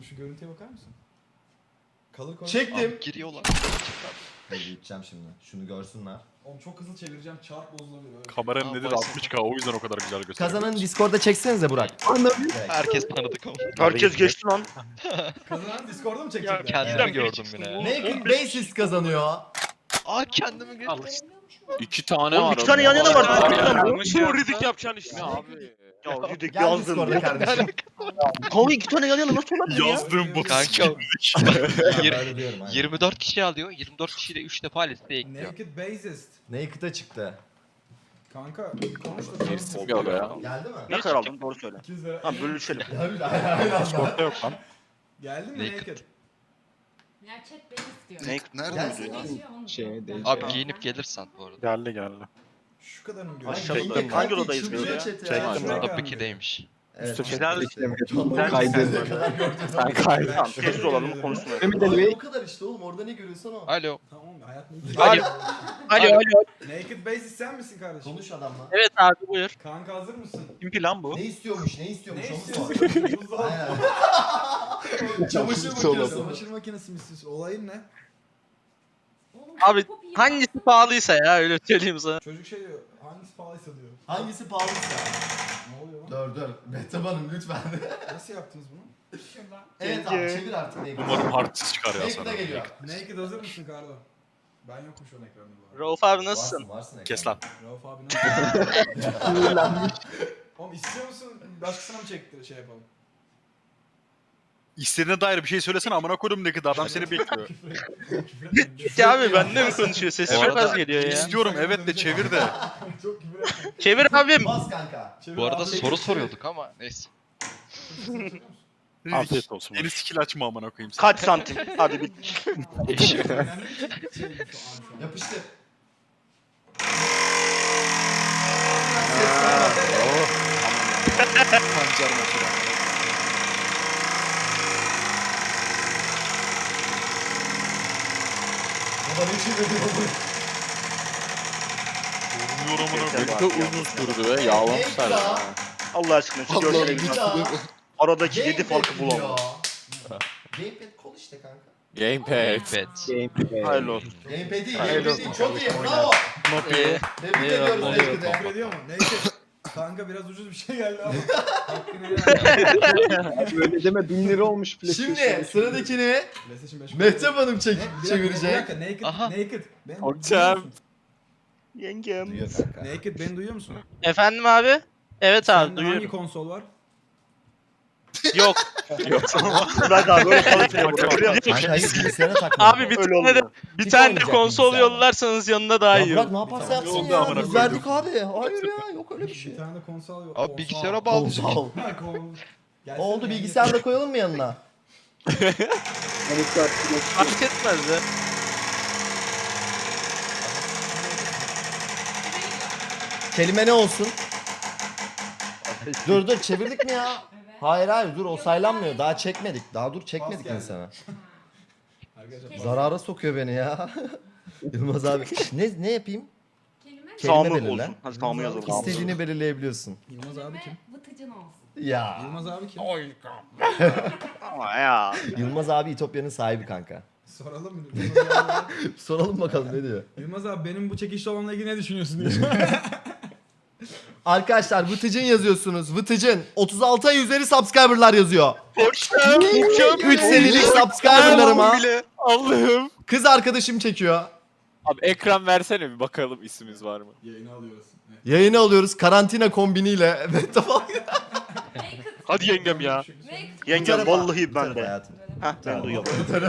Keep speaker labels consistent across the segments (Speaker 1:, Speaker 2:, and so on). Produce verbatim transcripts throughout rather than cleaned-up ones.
Speaker 1: kardeşim şu görüntüye bakar mısın? Kalır koy.
Speaker 2: Çektim.
Speaker 3: Abi giriyorlar.
Speaker 2: Hadi gideceğim şimdi. Şunu görsünler.
Speaker 1: Oğlum çok hızlı çevireceğim çarp bozulabilir. Öyle.
Speaker 4: Kameranın
Speaker 3: Aa,
Speaker 4: nedir
Speaker 3: Vice
Speaker 4: altmış K, o yüzden o kadar güzel gösteriyor.
Speaker 2: Kazananı Discord'da çeksenize Burak. Direkt.
Speaker 3: Herkes tanıdık ama.
Speaker 5: Herkes geçti lan.
Speaker 1: Kazanan Discord'da mı çekecekler?
Speaker 3: Kendimi gördüm yine.
Speaker 2: Naked Basis kazanıyor.
Speaker 3: Aa kendimi gördüm.
Speaker 6: İki tane
Speaker 5: Oğlum
Speaker 6: var.
Speaker 5: iki tane yan yana var.
Speaker 6: Abi,
Speaker 5: Fark etmem.
Speaker 6: yanlış
Speaker 5: Bu Ridik yapacaksın işte.
Speaker 6: Ne abi?
Speaker 5: Ya Ridik
Speaker 2: Gel
Speaker 5: yazdın.
Speaker 2: Discord'da kardeşim.
Speaker 5: Kanka iki tane yan yana nasıl olabilir ya?
Speaker 4: Yazdığım bu
Speaker 3: Kanka.
Speaker 2: Ben
Speaker 3: Yir-
Speaker 2: böyle diyorum, aynen.
Speaker 3: yirmi dört kişi alıyor. yirmi dört kişiyle üç defa listeye ekliyor.
Speaker 1: Naked Bassist.
Speaker 2: Naked'a çıktı.
Speaker 1: Kanka konuş da
Speaker 6: Gerisi bir ara ya.
Speaker 2: Geldi mi?
Speaker 5: Ne kadar aldın doğru söyle.
Speaker 1: iki yüz lira.
Speaker 5: Ha bölüşelim.
Speaker 2: Geldi. Aynen.
Speaker 4: Discord'da yok lan.
Speaker 1: Geldi mi
Speaker 3: Naked.
Speaker 1: Naked?
Speaker 7: Ya chat beni istiyor.
Speaker 5: Ne? Nerede
Speaker 2: Gelsin.
Speaker 5: yazıyor?
Speaker 7: Geçiyor onu.
Speaker 6: Şey değil.
Speaker 3: Abi giyinip gelirsen bu arada.
Speaker 4: Geldi geldi.
Speaker 1: Şu kadar mı
Speaker 2: Ay,
Speaker 1: görüyorsun?
Speaker 5: Aşağıda
Speaker 2: Naked'de
Speaker 5: hangi
Speaker 2: kalp
Speaker 5: odadayız
Speaker 2: çıldırıyor
Speaker 5: biz ya?
Speaker 2: chat'e
Speaker 4: Çektim
Speaker 2: ya.
Speaker 4: ben.
Speaker 3: Burada ikideymiş.
Speaker 2: Evet.
Speaker 5: Güzel.
Speaker 2: Güzel.
Speaker 6: Kaydediyorum.
Speaker 2: Ne kadar gördün?
Speaker 6: Ben kaydım.
Speaker 5: Tamam sessiz olalım konuşmayalım.
Speaker 2: Abi o kadar işte oğlum, orada ne görüyorsan o.
Speaker 3: Alo.
Speaker 1: Tamam hayatım.
Speaker 8: Alo. Alo alo.
Speaker 1: Naked Bassist sen misin kardeşim?
Speaker 2: Konuş adamla.
Speaker 8: Evet abi buyur.
Speaker 1: Kanka hazır mısın?
Speaker 4: Kim ki lan bu?
Speaker 2: Ne istiyormuş, ne istiyormuş
Speaker 1: Ne
Speaker 2: onu
Speaker 1: istiyorsun?
Speaker 2: sor.
Speaker 1: Buzdolabı.
Speaker 2: Aynen. Çamaşır makinesi.
Speaker 1: Çamaşır makinesi mi istiyorsun? Olayın ne?
Speaker 7: Oğlum,
Speaker 8: Abi
Speaker 7: çok iyi.
Speaker 8: hangisi pahalıysa ya öyle söyleyeyim sana.
Speaker 1: Çocuk şey diyor. Hangisi pahalıysa diyor.
Speaker 2: Hangisi pahalıysa?
Speaker 1: Ne oluyor lan?
Speaker 2: Dur dur. Mehtap Hanım lütfen.
Speaker 1: Nasıl yaptınız bunu?
Speaker 7: Şuradan.
Speaker 2: Evet abi çevir artık Naked'ı.
Speaker 4: Umarım hardsiz çıkar ya
Speaker 2: Naked
Speaker 4: sana.
Speaker 2: da geliyor.
Speaker 1: Naked hazır mısın Kardo? Ben yokum şu an ekranda bu arada.
Speaker 8: Rauf abi nasılsın?
Speaker 2: Varsın varsın ekranda.
Speaker 4: Kes lan.
Speaker 1: Rauf abi nasıl? Oğlum istiyor musun? Başkasına mı çektir şey yapalım?
Speaker 4: İstediğine dair bir şey söylesene, amına koydum ne kadar adam seni bekliyor.
Speaker 8: Ya abi benimle mi konuşuyor? Sesi
Speaker 3: Bu
Speaker 8: çok az
Speaker 3: arada-
Speaker 8: geliyor ya.
Speaker 4: İstiyorum evet de çevir de.
Speaker 1: Çok küfür etme.
Speaker 8: Çevir abim.
Speaker 2: Bas kanka.
Speaker 1: Çevir
Speaker 3: Bu arada
Speaker 1: abi.
Speaker 3: soru soruyorduk ama neyse.
Speaker 4: Afiyet olsun. Yeni skill açma amına koyayım seni.
Speaker 5: Kaç santim? Hadi bir.
Speaker 1: Önemli bir şey değil şu an.
Speaker 2: Yapıştır.
Speaker 6: Pancar makine.
Speaker 2: Baba ne çevirdi bu?
Speaker 4: Vurmuyor amına koyayım.
Speaker 6: Çok uzun sürdü ve yağlamışlar ya.
Speaker 5: Allah aşkına şu
Speaker 2: Allah'ım
Speaker 5: görsele
Speaker 2: bir
Speaker 5: git.
Speaker 2: daha.
Speaker 5: Aradaki yedi farkı
Speaker 2: Gamepad
Speaker 5: bulamam.
Speaker 2: diyor. Gamepad kol işte kanka.
Speaker 6: Gamepad.
Speaker 3: Evet.
Speaker 5: Hayırlı olsun.
Speaker 2: Gamepad değil,
Speaker 8: Hayırlı
Speaker 2: gamepad değil. Çok iyi, bravo.
Speaker 8: Ee,
Speaker 2: Tebrik
Speaker 8: Eyvallah,
Speaker 2: ediyoruz
Speaker 8: eyvallah.
Speaker 2: Naked'e.
Speaker 1: Küfür ediyor mu? Neyse. Kanka biraz ucuz bir şey geldi ama. Hakkını helal et.
Speaker 6: Böyle deme bin lira olmuş
Speaker 2: Şimdi sıradakini
Speaker 1: PlayStation beş.
Speaker 2: Mehtap Hanım çek
Speaker 1: Ne? Bir dakika, Bir
Speaker 2: çevirecek.
Speaker 1: dakika, naked,
Speaker 3: Aha.
Speaker 1: naked. Ben,
Speaker 6: Hocam.
Speaker 5: Yengem.
Speaker 2: Duyuyor kanka.
Speaker 1: Naked beni duyuyor musun?
Speaker 8: efendim abi? Evet abi
Speaker 1: Sende hangi
Speaker 8: duyuyorum.
Speaker 1: konsol var?
Speaker 8: Yok.
Speaker 5: Bırak abi böyle çalışmıyor burada.
Speaker 2: Kanka hayır bilgisayara takma.
Speaker 8: Abi bir
Speaker 5: Öyle
Speaker 8: tane de
Speaker 5: olmuyor.
Speaker 8: bir
Speaker 2: Hiç
Speaker 8: tane de
Speaker 2: olmayacak
Speaker 8: konsol
Speaker 2: bilgisayar.
Speaker 8: yollarsanız yanına daha
Speaker 2: Ya
Speaker 8: iyi
Speaker 2: Burak
Speaker 8: olur.
Speaker 2: ne yaparsa
Speaker 1: Tamam,
Speaker 2: yapsın
Speaker 4: yolda
Speaker 2: ya.
Speaker 4: amına
Speaker 2: Biz
Speaker 4: koydum.
Speaker 2: verdik abi. Hayır ya yok öyle bir şey.
Speaker 1: Bir tane de konsol yok.
Speaker 3: Abi bilgisayara bağlı.
Speaker 2: Konsol.
Speaker 1: Ha, kol. Gelsene
Speaker 2: Oldu
Speaker 1: naked.
Speaker 2: bilgisayarda koyalım mı yanına?
Speaker 8: Fark etmez de.
Speaker 2: Kelime ne olsun? Dur dur çevirdik mi ya?
Speaker 7: Evet.
Speaker 2: Hayır hayır dur o saylanmıyor. Daha çekmedik. Daha dur çekmedik
Speaker 1: geldi.
Speaker 2: insana.
Speaker 1: Arkadaşlar
Speaker 2: Zarara sokuyor beni ya. Yılmaz abi. Ne ne yapayım?
Speaker 7: Kelime
Speaker 2: Kelime
Speaker 5: Sağımı
Speaker 2: belirle.
Speaker 5: olsun. Hadi sağımı yazalım.
Speaker 2: İstediğini belirleyebiliyorsun.
Speaker 1: Yılmaz abi kim?
Speaker 7: Vıtıcın olsun.
Speaker 2: Ya.
Speaker 1: Yılmaz abi kim?
Speaker 5: Ama ya.
Speaker 2: Yılmaz abi İtopya'nın sahibi kanka.
Speaker 1: Soralım mı? Yılmaz abi,
Speaker 2: Soralım bakalım ne diyor.
Speaker 1: Yılmaz abi benim bu çekişli olanla ilgili ne düşünüyorsun diye.
Speaker 2: Arkadaşlar Vıtıcın yazıyorsunuz. Vıtıcın. otuz altı ay üzeri subscriber'lar yazıyor. üç senelik subscriber'larıma
Speaker 6: Allah'ım.
Speaker 2: kız arkadaşım çekiyor.
Speaker 6: Abi ekran versene bir bakalım ismimiz var mı?
Speaker 1: Yayını alıyoruz. Evet.
Speaker 2: Yayını alıyoruz karantina kombiniyle. Evet tamam.
Speaker 5: Hadi yengem ya.
Speaker 7: Naked.
Speaker 5: Yengem vallahi
Speaker 2: Bu
Speaker 5: ben
Speaker 2: tarafa
Speaker 5: de.
Speaker 2: hayatım.
Speaker 5: Heh ben duyuyorum.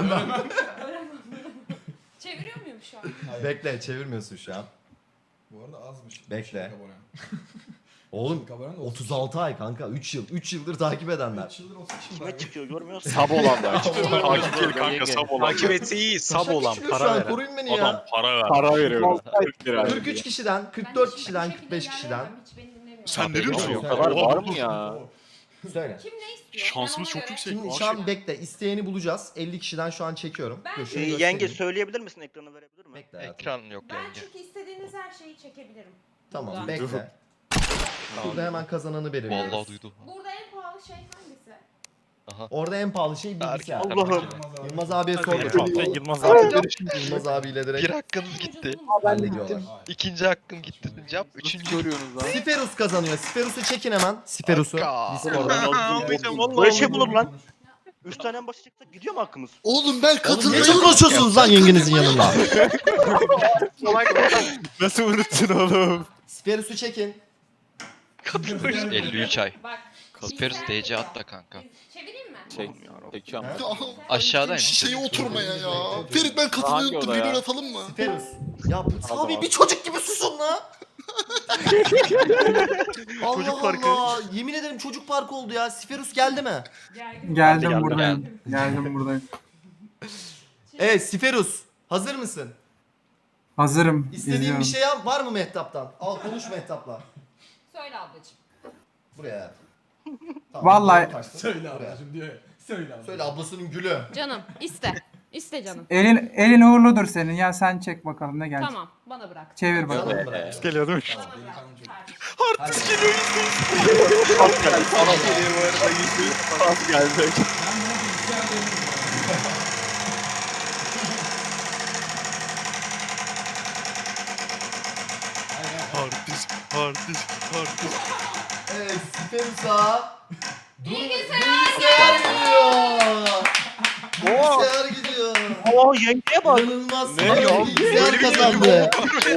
Speaker 7: Çeviriyor muyum şu an?
Speaker 2: Bekle çevirmiyorsun şu an.
Speaker 1: Bu arada azmış.
Speaker 2: Bekle.
Speaker 1: Çelik abonem.
Speaker 2: Oğlum
Speaker 1: Çelik abonem de
Speaker 2: otuz altı ay kanka üç yıl. üç yıldır takip edenler.
Speaker 1: üç yıldır otuz kişi
Speaker 5: Kime
Speaker 1: var.
Speaker 5: çıkıyor görmüyor musun?
Speaker 6: Sab olanlar.
Speaker 4: Takip değil kanka, sab olan.
Speaker 6: Takip etse iyi sab
Speaker 2: Kaç
Speaker 6: olan
Speaker 2: kişi şu
Speaker 6: para
Speaker 2: an?
Speaker 6: veren.
Speaker 2: Koruyun beni
Speaker 4: Adam
Speaker 2: ya.
Speaker 4: para ver.
Speaker 6: Para veriyorum. kırk lira.
Speaker 2: kırk üç kişiden, kırk dört kişiden, kırk beş kişiden.
Speaker 4: Sen ne diyorsun?
Speaker 6: O kadar var mı ya?
Speaker 2: Söyle.
Speaker 7: Kim ne istiyor?
Speaker 4: Şansımız
Speaker 7: Ben ona
Speaker 4: çok
Speaker 7: göre-
Speaker 4: yüksek.
Speaker 2: Şimdi
Speaker 4: Aşık.
Speaker 2: şu an bekle. İsteyeni bulacağız. elli kişiden şu an çekiyorum.
Speaker 7: Ben-
Speaker 2: Dur, şunu
Speaker 5: Ee,
Speaker 2: göstereyim.
Speaker 5: yenge söyleyebilir misin ekranı verebilir mi?
Speaker 2: Bekle hayatım.
Speaker 3: Ekran yok
Speaker 7: Ben
Speaker 3: yenge.
Speaker 7: çünkü istediğiniz her şeyi çekebilirim.
Speaker 2: Tamam
Speaker 7: Burada.
Speaker 2: bekle. Burada hemen kazananı belirliyoruz.
Speaker 3: Vallahi duydu.
Speaker 7: Burada en pahalı şey hangisi?
Speaker 3: Aha.
Speaker 2: Orada en pahalı şey bilgisayar.
Speaker 5: Allah'ım.
Speaker 2: Yılmaz abiye sorduk.
Speaker 8: Yılmaz
Speaker 2: Yılmaz abiyle direkt
Speaker 3: Bir hakkınız gitti.
Speaker 2: hallediyorlar.
Speaker 3: İkinci hakkım gitti. Cevap üçüncü.
Speaker 6: Görüyorsunuz lan.
Speaker 2: Siferus kazanıyor. Siferus'u çekin hemen. Siferus'u.
Speaker 3: Hakka.
Speaker 2: Discord'dan.
Speaker 5: Böyle şey mi olur lan? Üç tane en başa çıksak gidiyor mu hakkımız?
Speaker 9: Oğlum ben
Speaker 2: Ne
Speaker 9: katılmıyorum.
Speaker 2: çok konuşuyorsunuz lan yengenizin yanında?
Speaker 6: Nasıl unuttun oğlum?
Speaker 2: Siferus'u çekin.
Speaker 3: elli üç ay.
Speaker 7: Bak.
Speaker 3: Sperus D C atla kanka.
Speaker 7: Çevireyim mi?
Speaker 6: Çek. Çekiyorum.
Speaker 3: Aşağıdayım.
Speaker 9: Şişeye oturmaya ya. Ferit ben
Speaker 6: Hangi
Speaker 9: katılmayı unuttum.
Speaker 6: oda ya?
Speaker 9: Rol atalım mı?
Speaker 2: Siferus. Ya Sami
Speaker 6: abi.
Speaker 2: bir çocuk gibi susun la. Allah
Speaker 5: Çocuk parkı.
Speaker 2: Allah. Yemin ederim çocuk parkı oldu ya. Siferus geldi mi?
Speaker 7: Gergin.
Speaker 5: Geldim,
Speaker 10: Geldim buradayım. Geldim buradayım.
Speaker 2: Evet Siferus. Hazır mısın?
Speaker 10: Hazırım.
Speaker 2: İstediğin
Speaker 10: izliyorum.
Speaker 2: bir şey yap var mı Mehtap'tan? Al konuş Mehtap'la.
Speaker 7: Söyle ablacığım.
Speaker 2: Buraya. Tamam,
Speaker 10: Vallahi-
Speaker 2: taşsın.
Speaker 1: Söyle
Speaker 2: Buraya.
Speaker 1: ablacım diyor ya. Söyle abi.
Speaker 2: Söyle ablasının gülü.
Speaker 7: Canım iste. İste canım.
Speaker 10: Elin, elin uğurludur senin. Ya sen çek bakalım ne gelecek.
Speaker 7: Tamam bana bırak.
Speaker 10: Çevir
Speaker 2: Sana
Speaker 10: bakalım.
Speaker 2: mı bırak?
Speaker 6: Geliyor değil mi?
Speaker 7: Bana bırak.
Speaker 2: Hadi.
Speaker 6: Az geldi.
Speaker 4: Artist, artist, artist.
Speaker 2: Evet Siferus'a.
Speaker 7: Bilgisayar
Speaker 2: Bilgisayar gidiyor. Bilgisayar gidiyor.
Speaker 5: Oo yengeye bak.
Speaker 2: İnanılmaz.
Speaker 6: Ne
Speaker 2: Sana
Speaker 6: ya?
Speaker 2: bilgisayar kazandı.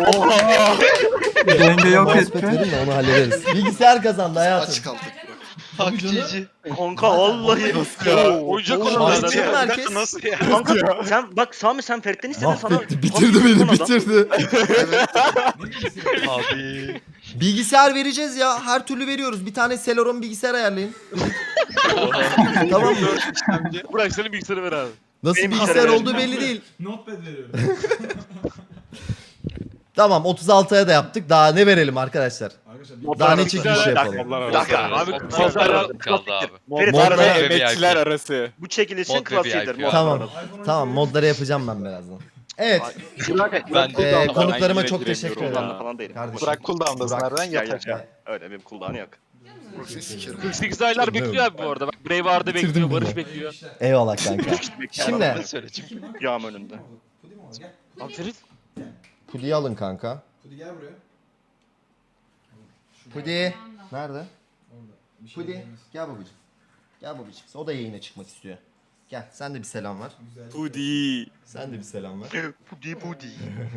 Speaker 10: Yenge yok
Speaker 2: Mousepad
Speaker 10: etti.
Speaker 2: verin de onu hallederiz. Bilgisayar kazandı hayatım.
Speaker 9: Aç kaldık.
Speaker 3: Hakçici.
Speaker 5: Kanka vallahi.
Speaker 6: Ya, oyuncak
Speaker 2: Oğlum,
Speaker 6: olan
Speaker 2: açtın mı herkes?
Speaker 4: Nasıl ya?
Speaker 5: Kanka sen bak Sami sen Ferit'ten istedin sana.
Speaker 2: Mahvetti, bitirdi beni, bitirdi.
Speaker 3: Abi.
Speaker 2: Bilgisayar vereceğiz ya, her türlü veriyoruz. Bir tane Celeron bilgisayar ayarlayın. Tamam mı?
Speaker 5: Bırak senin bilgisayarı ver abi.
Speaker 2: Nasıl
Speaker 5: Benim
Speaker 2: bilgisayar
Speaker 5: bilgisayarı
Speaker 2: olduğu belli değil.
Speaker 1: Notepad veriyorum.
Speaker 2: Tamam otuz altıya da yaptık. Daha ne verelim arkadaşlar?
Speaker 1: Arkadaşlar
Speaker 2: Daha ne
Speaker 5: arası.
Speaker 2: çekiliş
Speaker 5: Dakika,
Speaker 2: yapalım?
Speaker 6: Dakika,
Speaker 3: Abi,
Speaker 6: abi,
Speaker 3: modlar
Speaker 6: modlar-
Speaker 3: arası kaldı abi.
Speaker 5: Ferit
Speaker 2: Modlar-
Speaker 5: harbi
Speaker 3: ve
Speaker 6: Emekçiler
Speaker 3: V I P.
Speaker 6: arası.
Speaker 5: bu çekilişin
Speaker 3: Mod ve
Speaker 5: klasiğidir.
Speaker 3: V I P.
Speaker 5: mod
Speaker 2: Tamam.
Speaker 5: arası.
Speaker 2: Tamam modları yapacağım ben birazdan. Evet.
Speaker 3: Ben
Speaker 2: Ee,
Speaker 3: de
Speaker 2: konuklarıma
Speaker 6: Ben
Speaker 2: çok
Speaker 6: giremiyorum
Speaker 2: teşekkür
Speaker 6: ya.
Speaker 2: ederim.
Speaker 5: Cooldown'da falan değilim.
Speaker 2: Kardeşim.
Speaker 6: Bırak cooldown'dasın
Speaker 2: Burak.
Speaker 6: nereden
Speaker 5: Gel gel
Speaker 6: yatacak.
Speaker 5: gel. Öyle benim cooldown'u yok.
Speaker 9: Proxy sikerim.
Speaker 8: kırk sekiz aylar bekliyor abi bu arada. Bak Braveheart'ı
Speaker 2: Bitirdim
Speaker 8: bekliyor,
Speaker 2: bunu.
Speaker 8: Barış bekliyor.
Speaker 2: Eyvallah kanka. Şimdi
Speaker 3: Ben söyle çünkü.
Speaker 5: Yağım önünde.
Speaker 1: Pudi mi o? Gel.
Speaker 8: Abi Ferit.
Speaker 2: Pudi'yi alın kanka.
Speaker 1: Pudi gel buraya.
Speaker 2: Pudi. Nerede?
Speaker 1: Orada. Bir şey
Speaker 2: Pudi.
Speaker 1: diyemez.
Speaker 2: Gel babacığım. Gel babacığım. O da yayına çıkmak istiyor. Gel sen de bir selam ver.
Speaker 1: Güzel.
Speaker 6: Pudi.
Speaker 2: Sen de bir selam ver.
Speaker 5: Pudi pudi.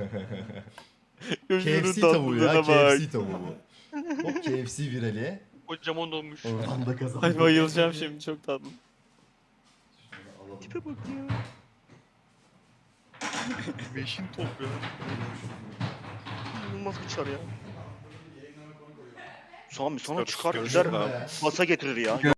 Speaker 2: K F C tavuğu ya. K F C tavuğu bu. Hop K F C virali.
Speaker 8: Kocaman olmuş.
Speaker 2: Oradan da kazandı.
Speaker 6: Ay bayılacağım şimdi çok tatlı.
Speaker 5: Tipe bak ya.
Speaker 4: Beşin top ya.
Speaker 5: İnanılmaz bir çar ya. Sami sonra
Speaker 6: Görüş-
Speaker 5: çıkar
Speaker 6: görüş
Speaker 5: gider
Speaker 6: abi.
Speaker 5: masa getirir ya.